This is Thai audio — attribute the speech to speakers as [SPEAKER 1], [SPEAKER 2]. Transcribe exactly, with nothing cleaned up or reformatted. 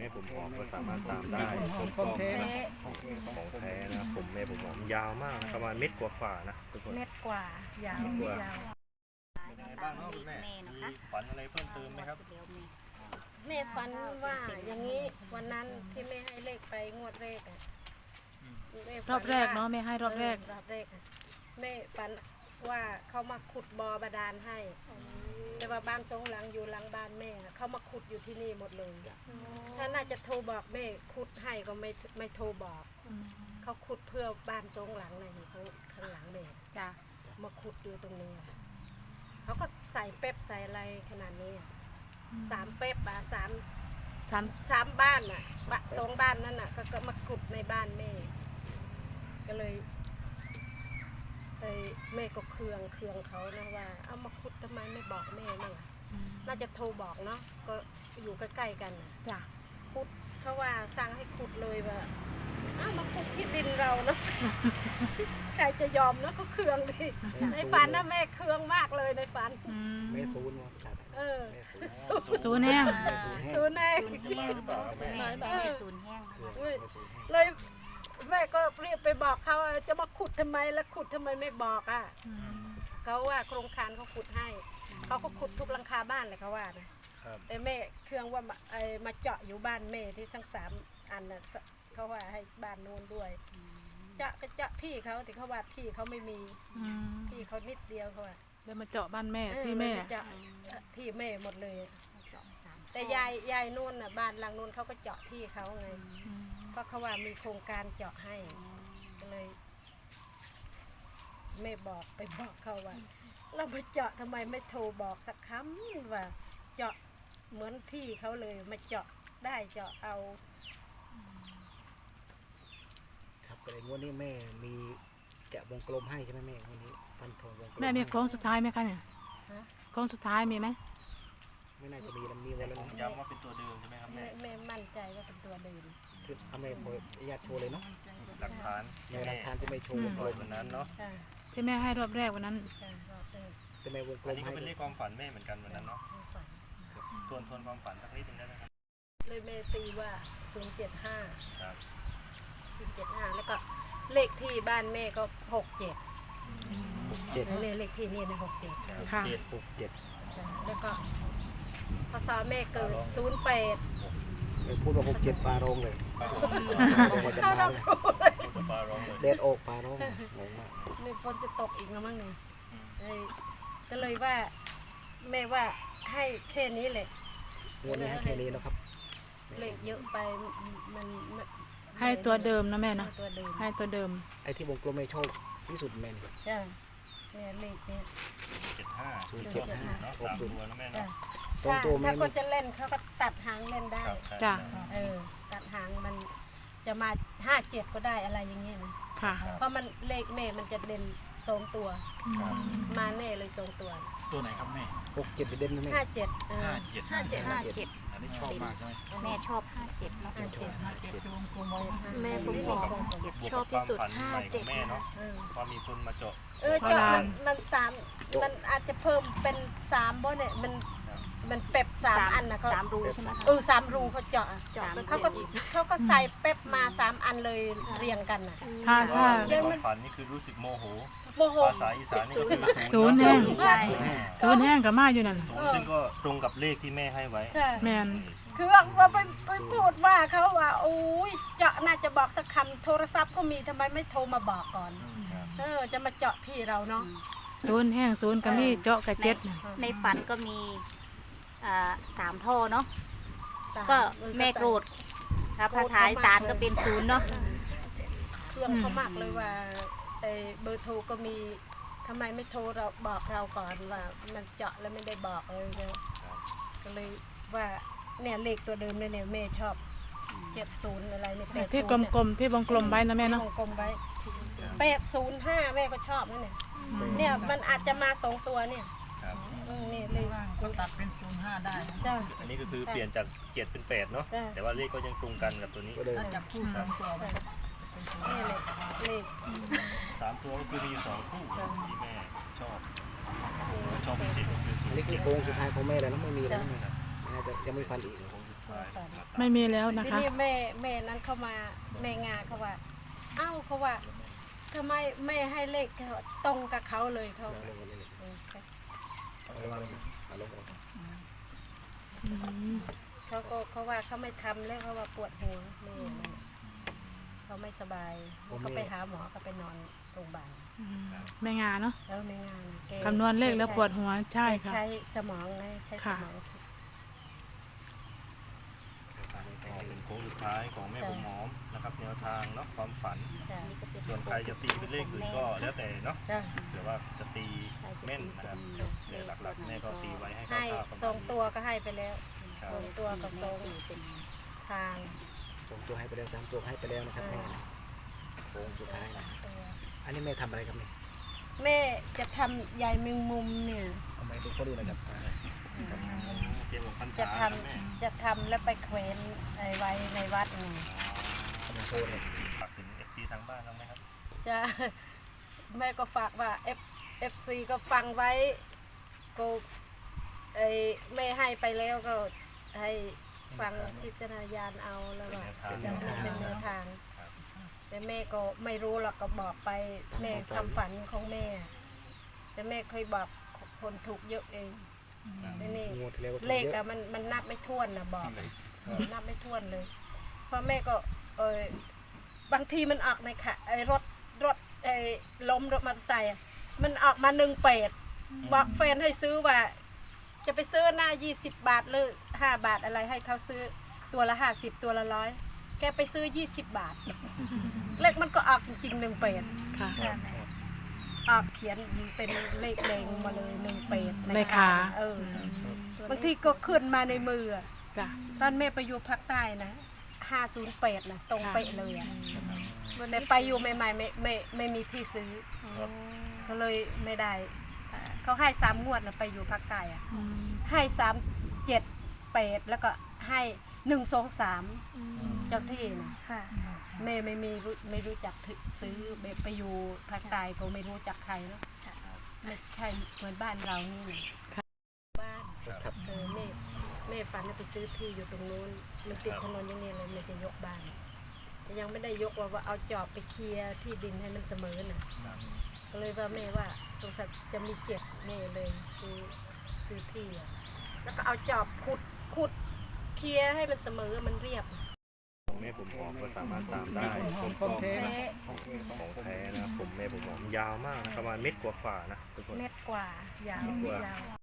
[SPEAKER 1] ม่ผมหอมก็สามารถตามได้ต้นต
[SPEAKER 2] ของ
[SPEAKER 1] อ
[SPEAKER 2] แท้นะ
[SPEAKER 1] ของแท้นะผมแม่ผมหอมยาวมากนะประมาณเม็ดกว่าฝ่านะทุกคน
[SPEAKER 3] เม็ดกว่ายาว
[SPEAKER 1] เม็ดกว่า
[SPEAKER 3] ยาว
[SPEAKER 1] เป็นยังไงบ้างเนาะคุณแม่มีฝันอะไรเพิ่มเติมไหมครับ
[SPEAKER 3] แม่ฝันว่าอย่างนี้วันนั้นที่แม่ให้เลขไปงวดแรกอะแม่ฝัน
[SPEAKER 2] รอบแรกเนาะแม่ให้รอบแรก
[SPEAKER 3] เรอบแรกอะแม่ฝันว่าเขามาขุดบ่อบาดาลให้ แต่ว่าบ้านสองหลังอยู่หลังบ้านแม่อะเขามาขุดอยู่ที่นี่หมดเลยถ้าน่าจะโทรบอกแม่ขุดให้ก็ไม่ไม่โทรบอก เขาขุดเพื่อบ้านสองหลังเลยอยู่ข้างข้างหลังแม่
[SPEAKER 2] จ้ะ
[SPEAKER 3] มาขุดอยู่ตรงนี้อะเขาก็ใส่เป๊ปใส่อะไรขนาดนี้อะสามเป๊ปอะสาม
[SPEAKER 2] สาม
[SPEAKER 3] สามบ้านอ่ะบะสองบ้านนั่นอ่ะ ก็ก็มาขุดในบ้านแม่ ก็เลยเอ้ยแม่ก็เคืองเคืองเขานะว่า เอามาขุดทำไมไม่บอกแม่มั่งอะน่าจะโทรบอกเนาะก็อยู่ใกล้ๆกันน่ะ
[SPEAKER 2] จ้ะ
[SPEAKER 3] ขุดเขาว่าสั่งให้ขุดเลยว่าอ้าวมาขุดที่ดินเราเนาะ ใครจะยอมเนาะก็เคืองดิในฝันนะแม่เคืองมากเลยในฝัน
[SPEAKER 2] อืม
[SPEAKER 4] แม่ศูนย์วะ
[SPEAKER 3] เออ
[SPEAKER 4] แม่ศูนย์
[SPEAKER 3] ศูนย์
[SPEAKER 2] ศูนย์แห้ง
[SPEAKER 4] แม่ศูนย์แห้ง
[SPEAKER 3] ศูนย์เอง
[SPEAKER 1] จะมาหรือเปล่าครับแม่
[SPEAKER 5] น้อยบอกให้ศูนย์แห้ง
[SPEAKER 4] เครื่องแม่ศูนย์แห้ง
[SPEAKER 3] เลยแม่ก็เรียกไปบอกเขาว่าจะมาขุดทำไมแล้วขุดทำไมไม่บอกอ่ะ
[SPEAKER 2] อืม
[SPEAKER 3] เขาว่าโครงการเขาขุดให้เขาก็ขุดทุกหลังคาบ้านเลยเขาว่านะครับ แต่แม่เครื่องว่ามาไอ้มาเจาะอยู่บ้านแม่ที่ทั้งสามอันน่ะสเขาว่าให้บ้านโน้นด้วยเจาะก็เจาะที่เขาแต่เขาว่าที่เขาไม่มี
[SPEAKER 2] อืม
[SPEAKER 3] ที่เขานิดเดียวเขาว่า
[SPEAKER 2] เดี๋ยวมาเจาะบ้านแม่
[SPEAKER 3] เออ
[SPEAKER 2] ที่แม่
[SPEAKER 3] นจะเจาะที่แม่หมดเลยอะแต่ยายยายนู่นน่ะบ้านหลังนู่นเขาก็เจาะที่เขาไง
[SPEAKER 2] อืม
[SPEAKER 3] เพราะเขาว่ามีโครงการเจาะให้ก็เลยไม่บอกไปบอกเขาว่า เราไปเจาะทำไมไม่โทรบอกสักคำว่าเจาะเหมือนที่เขาเลยมาเจาะได้เจาะเอา
[SPEAKER 4] ครับแต่งวดนี้แม่มีจะวงกลมให้ใช่ไหมแม่งวดนี้ฟันธงวงกลม
[SPEAKER 2] แม่มี
[SPEAKER 4] ให้
[SPEAKER 2] โค้งสุดท้ายไหมคะเนี่ย
[SPEAKER 3] ฮะ
[SPEAKER 2] โค้งสุดท้ายมีไหม
[SPEAKER 4] ไม่น่าจะมีแล้วมีวันละ
[SPEAKER 1] ผมย้ำว่าเป็นตัวเดิมใช่ไหมครับ
[SPEAKER 3] แม่
[SPEAKER 1] แม่
[SPEAKER 3] แม่มั่นใจว่าเป็นตัวเดิม
[SPEAKER 4] คือเอาแม่โพยญาติโชว์เลยเนาะ
[SPEAKER 1] หลักฐานที่
[SPEAKER 4] แม่หลั
[SPEAKER 1] แม่
[SPEAKER 4] กฐานที่แม่โชว์วง
[SPEAKER 1] โป
[SPEAKER 4] ก
[SPEAKER 1] ร
[SPEAKER 4] ล
[SPEAKER 1] ย
[SPEAKER 4] ม
[SPEAKER 1] วันนั้นเนาะ
[SPEAKER 3] ค่ะ
[SPEAKER 2] ที่แม่ให้รอบแรกวันนั้น
[SPEAKER 3] ค่ะรอบเดิม
[SPEAKER 4] แต่แม่วงกล
[SPEAKER 1] อัน
[SPEAKER 4] ม
[SPEAKER 1] นี้ก็
[SPEAKER 4] ให้
[SPEAKER 1] เป็นเลขความฝันแม่เหมือนกันวันนั้นเนาะ
[SPEAKER 3] ไม่ฝัน
[SPEAKER 1] ทวนทวนความฝันสักนิดนึงได้ไหมครับ
[SPEAKER 3] เลยแม่ตีว่าศูนย์เจ็ดห้า
[SPEAKER 1] ครับ
[SPEAKER 3] ศูนย์เจ็ดห้าแล้วก็เลขที่บ้านแม่ก็หกเจ็ด
[SPEAKER 4] หกเจ็ด
[SPEAKER 3] เลขเลขที่นี่นะหกเจ็ด
[SPEAKER 2] ค่ะ
[SPEAKER 1] เจ็ด
[SPEAKER 4] หกเจ็ด
[SPEAKER 3] แล้วก็พศแม่เกิดศูนย์แปด
[SPEAKER 4] แม่พูดว่าหกเจ็ดปลาโรงเลย
[SPEAKER 1] ฟ้า
[SPEAKER 4] แม่จะ
[SPEAKER 3] ถ้า
[SPEAKER 4] มา
[SPEAKER 3] เรา
[SPEAKER 4] เลย
[SPEAKER 3] รู้เลย
[SPEAKER 1] พูดกับฟ้าร้องเลย
[SPEAKER 4] เดดโอกปลาโรงงงมาก
[SPEAKER 3] นี่ฝนจะตกอีกแล้วมั้งเนี่ยเอ้ยก็เลยว่าแม่ว่าให้แค่นี้แหละ
[SPEAKER 4] งวดนี้ให้แค่นี้แล้วครับ
[SPEAKER 3] เลขเยอะไปมันมัน
[SPEAKER 2] ให้ตัวเดิมนะแม่เนาะ
[SPEAKER 3] ตัวเดิม
[SPEAKER 2] ให้ตัวเดิม
[SPEAKER 4] ไอ้ที่วงกลมไม่โชคที่สุดแม่น
[SPEAKER 3] จ้ะเนี่ยเลขเนี่ย
[SPEAKER 1] เจ็ดห้า
[SPEAKER 4] ศูนย์เจ็ดห้า
[SPEAKER 1] เนาะ
[SPEAKER 4] หก
[SPEAKER 1] สาม
[SPEAKER 4] ศูนย์
[SPEAKER 1] ตัวนะแม่
[SPEAKER 3] จ้ะ
[SPEAKER 1] เนาะ
[SPEAKER 4] สองตัว
[SPEAKER 3] ถ้า
[SPEAKER 4] แม่
[SPEAKER 3] คนจะเล่นเขาก็ตัดหางเล่นได้
[SPEAKER 1] ครับใช่
[SPEAKER 2] จ้ะ
[SPEAKER 3] เออตัดหางมันจะมาห้าเจ็ดก็ได้อะไรอย่างเงี้ยนะ
[SPEAKER 2] ค่ะ
[SPEAKER 3] เพราะมันเลขแม่มันจะเด่นสองตัว
[SPEAKER 1] ครับ
[SPEAKER 3] มาแน่เลยสองตัว
[SPEAKER 6] ตัวไหนครับแม่
[SPEAKER 4] หกเจ็ดไปเด่นนะแม่
[SPEAKER 3] ห้าเจ็ดเออ
[SPEAKER 6] ห้าเจ็ด
[SPEAKER 5] ห้าเจ็ดห้าเจ็ด
[SPEAKER 6] อันนี้ชอบมากใช่ไหม
[SPEAKER 5] แม่ชอบห้าเจ็ดเนาะ
[SPEAKER 3] ห้าเจ็ด
[SPEAKER 4] ห้าเจ็ด
[SPEAKER 5] แม่ผม
[SPEAKER 1] บ
[SPEAKER 5] บ
[SPEAKER 1] ว
[SPEAKER 5] อก ก
[SPEAKER 1] กับ
[SPEAKER 5] เจ็ด
[SPEAKER 1] บวก
[SPEAKER 5] ชอ
[SPEAKER 1] กั
[SPEAKER 5] บบ ที่สุด
[SPEAKER 1] ความฝัน
[SPEAKER 5] ห้า
[SPEAKER 1] ใหม่ข
[SPEAKER 5] เจ็
[SPEAKER 1] อ
[SPEAKER 5] ด
[SPEAKER 1] งแม่เนาะ
[SPEAKER 3] เออ
[SPEAKER 1] ว่ามีคนมาเจาะ
[SPEAKER 3] เออ
[SPEAKER 2] โบ
[SPEAKER 3] เจาะ
[SPEAKER 2] รา
[SPEAKER 3] มั
[SPEAKER 2] ณ
[SPEAKER 3] นมันสามมันอาจจะเพิ่มเป็นสามบ่เนี่ยมันมันเป๊ปสามอันนะเขา
[SPEAKER 5] สามรูใช่ไหมคะ
[SPEAKER 3] เออสามรูเขาเจาะอะ
[SPEAKER 5] เจาะ
[SPEAKER 3] เขาก็เขาก็ใส่เป๊ปมาสามอันเลยเรียงกันน่ะ
[SPEAKER 2] ถ้าถ้า
[SPEAKER 1] ในความฝันนี่คือรู้สึกโมโห
[SPEAKER 3] โมโห
[SPEAKER 1] ภาษาอีสานนี่ก็คือ
[SPEAKER 2] ศูนย์แห้ง
[SPEAKER 3] ใช่
[SPEAKER 2] ศูนย์แห้งกับมาอยู่นั่น
[SPEAKER 1] ศูนย์ซึ่งก็ตรงกับเลขที่แม่ให้ไว้
[SPEAKER 3] ใช่
[SPEAKER 2] แมน
[SPEAKER 3] คือว่าว่าไปไปพูดว่าเขาว่าโอ้ยเจาะน่าจะบอกสักคำโทรศัพท์ก็มีทำไมไม่โทรมาบอกก่อน
[SPEAKER 1] ครับ
[SPEAKER 3] เออจะมาเจาะที่เราเนาะ
[SPEAKER 2] ศูนย์แห้งศูนย์กับมีเจาะกับเจ็ดน่ะ
[SPEAKER 5] ในฝันก็มีอ่าสามท่อเนาะ
[SPEAKER 3] สาม
[SPEAKER 5] ก็
[SPEAKER 3] น
[SPEAKER 5] แม่โกรธครับพระท้ายสารก็เป็นศูนย์เนาะ
[SPEAKER 3] เครื่องเขามากเลยว่าไอ้เบอร์โทรก็มีทำไมไม่โทรเราบอกเราก่อนว่ามันเจาะแล้วไม่ได้บอกเลยเนาะก็เลยว่าเนี่ยเลขตัวเดิมเลยเนี่ยแม่ชอบเจ็ดศูนย์อะไรเนี่ยแปด
[SPEAKER 2] ที่
[SPEAKER 3] ศูนย์
[SPEAKER 2] กลมๆที่วงกลมไว้นะแม่เนาะ
[SPEAKER 3] กลมๆไว้แปดศูนย์ห้าแม่ก็ชอบนั่นเนี่ยเนี่ยมันอาจจะมาสองตัวเนี่ย
[SPEAKER 1] ครับ
[SPEAKER 3] อืมเนี่ยเลย
[SPEAKER 7] ก็ตัดเป็นศูนย์ห้าได้นะ
[SPEAKER 3] จ้า
[SPEAKER 1] อันนี้ก็คือเปลี่ยนจากเจ็ดเป็นแปดเนาะ
[SPEAKER 3] จ้ะ
[SPEAKER 1] แต่ว่าเลขก็ยังตรงกันกับตัวนี้
[SPEAKER 4] ก็เดิน
[SPEAKER 7] ถ้าจับคู่สองตัวมันก็เป็นศูนย์
[SPEAKER 3] เนี่ยเลยเลข
[SPEAKER 1] สามตัวก็คือมีอยู่สองคู่ที่แม่ชอบชอบพิเศษก็คือศู
[SPEAKER 4] อั
[SPEAKER 1] น
[SPEAKER 4] นนี้
[SPEAKER 1] ย์
[SPEAKER 4] คือ
[SPEAKER 1] เจ็ด
[SPEAKER 4] โค้งสุดท้ายของแม่แล้วนะไม่มีแล้วนะแม่น่าจะยังไม่ฟันอีก
[SPEAKER 1] โค้งสุด
[SPEAKER 3] ฝัน
[SPEAKER 2] ไม่มีแล้วนะ
[SPEAKER 3] ที
[SPEAKER 2] คะ
[SPEAKER 3] นี้แม่แม่นั้นเข้ามาแม่งาเขาว่า เอ้าเขาว่าทำไมแม่ให้เลขเขาตรงกับเขาเลยเขาเออเขาก็เขาว่าเขาไม่ทำแล้วเขาว่าปวดหัวแม่นั่นเขาไม่สบายเขาไปหาหมอเขาไปนอนโรงพยาบาล
[SPEAKER 2] แม่งาเนาะ
[SPEAKER 3] แล้วไม่งานแก
[SPEAKER 2] คำนวณเลขแล้วปวดหัวใช่ค่ะ
[SPEAKER 3] ใช้สมองไงใช้ส
[SPEAKER 2] ค่ะ
[SPEAKER 3] มองคิด
[SPEAKER 1] ก็เป็นโค้งสุดท้ายของแม่ผมหอมนะครับแนวทางเนาะความฝัน
[SPEAKER 3] จ้ะ
[SPEAKER 1] ส่วนใครจะตีเป็นเลขอื่นก็แล้วแต่เนาะ
[SPEAKER 3] จ้ะ
[SPEAKER 1] หรือว่าจะตีแม่นนะครับแต่หลักๆแม่ก็ตีไว้ให้
[SPEAKER 3] ให้
[SPEAKER 1] คร่าวๆประ
[SPEAKER 3] ทร
[SPEAKER 1] มาณ
[SPEAKER 3] งตัวก็ให้ไปแล้ว
[SPEAKER 1] ครับ
[SPEAKER 3] ทรงตัวกับทรงทาง
[SPEAKER 4] สองตัวให้ไปแล้วสามตัวให้ไปแล้วนะครับแม่นะโค้งสุดท้ายนะ
[SPEAKER 3] ตัว
[SPEAKER 4] อันนี้แม่ทำอะไรครับเนี่ย
[SPEAKER 3] แม่จะทำใยแมงมุมเนี่ย
[SPEAKER 4] เอาไม้ดูเขาดูหนะครับอ่า
[SPEAKER 1] เตรียมของพรร
[SPEAKER 3] จะ
[SPEAKER 1] ษา
[SPEAKER 3] ท
[SPEAKER 1] นะแม่
[SPEAKER 3] ำจะทำแล้วไปแขวนไว้ในวัดไง
[SPEAKER 4] กำลังโทรเลย
[SPEAKER 1] ฝากถึงเอฟซีทางบ้านบ้างไหมครับ
[SPEAKER 3] จะแม่ก็ฝากว่า F F C ก็ฟังไว้ก็ไอแม่ให้ไปแล้วก็ให้ฟังจิตนาญาณเอาแล้วก็จะเป็นแนวทาง แต่แม่ก็ไม่รู้หรอกก็บอกไปแม่ทำฝันของแม่ แต่แม่เคยบอกคนถูกเยอะเองแต่นี่
[SPEAKER 4] งวดที่แล้วก็ถูก
[SPEAKER 3] เลข
[SPEAKER 4] เยอะ
[SPEAKER 3] อะมันมันนับไม่ถ้วนนะบอกนับไม่ถ้วนเลยเพราะแม่ก็เออบางทีมันออกในค่ะไอ้รถรถไอ้ล้มรถมอเตอร์ไซค์อะมันออกมาหนึ่งเป็ดบอกแฟนให้ซื้อว่า จะไปซื้อหน้ายี่สิบบาทหรือห้าบาทอะไรให้เขาซื้อตัวละห้าสิบตัวละร้อยแกไปซื้อยี่สิบบาท เลขมันก็ออกจริงๆหนึ่งเป็ด
[SPEAKER 2] ค่ะ
[SPEAKER 3] ออกเขียนเป็นเลขแดงมาเลยหนึ่งเป็ด
[SPEAKER 2] ในขา
[SPEAKER 3] เออบางทีก็ขึ้นมาในมืออะ
[SPEAKER 2] จ้ะ
[SPEAKER 3] ตอนแม่ไปอยู่ภาคใต้นะห้าศูนย์แปดนะตรงเป๊ะเลยอะแต่ไปอยู่ใหม่ๆไม่ไม่ไม่มีที่ซื้อก็เลยไม่ได้อ่าเขาให้สามงวดนะไปอยู่ภาคใต้อะ
[SPEAKER 2] อืม
[SPEAKER 3] ให้สามเจ็ดแปดแล้วก็ให้หนึ่งสองสามเจ้าที่นะแม่ไม่มีรู้ไม่รู้จักถึซื้อแบบไปอยู่ภาคใต้ก็ไม่รู้จักใครเนาะไม่ใช่เหมือนบ้านเรานี่นะบ้าน
[SPEAKER 4] ครับ
[SPEAKER 3] เออแม่แม่ฝันว่าไปซื้อที่อยู่ตรงนู้นมันติดถนนอย่างนี้เลยแม่จะยกบ้านแต่ยังไม่ได้ยกว่าว่าเอาจอบไปเคลียร์ที่ดินให้มันเสมอน่ะก็เลยว่าแม่ว่าสงสัยจะมีเจ็ดแม่เลยซื้อซื้อที่อะแล้วก็เอาจอบขุดขุดเคลียร์ให้มันเสมอมันเรียบ
[SPEAKER 1] ของแม่ผมหอมก็สามารถตามได้ผมก็ของแท้นะครับผมแม่ผมหอมยาวมากนะประมาณเม็ดกว่าๆนะทุกคน
[SPEAKER 3] เม็ดกว่ายาว
[SPEAKER 1] เม็ดกว่า
[SPEAKER 3] ยาว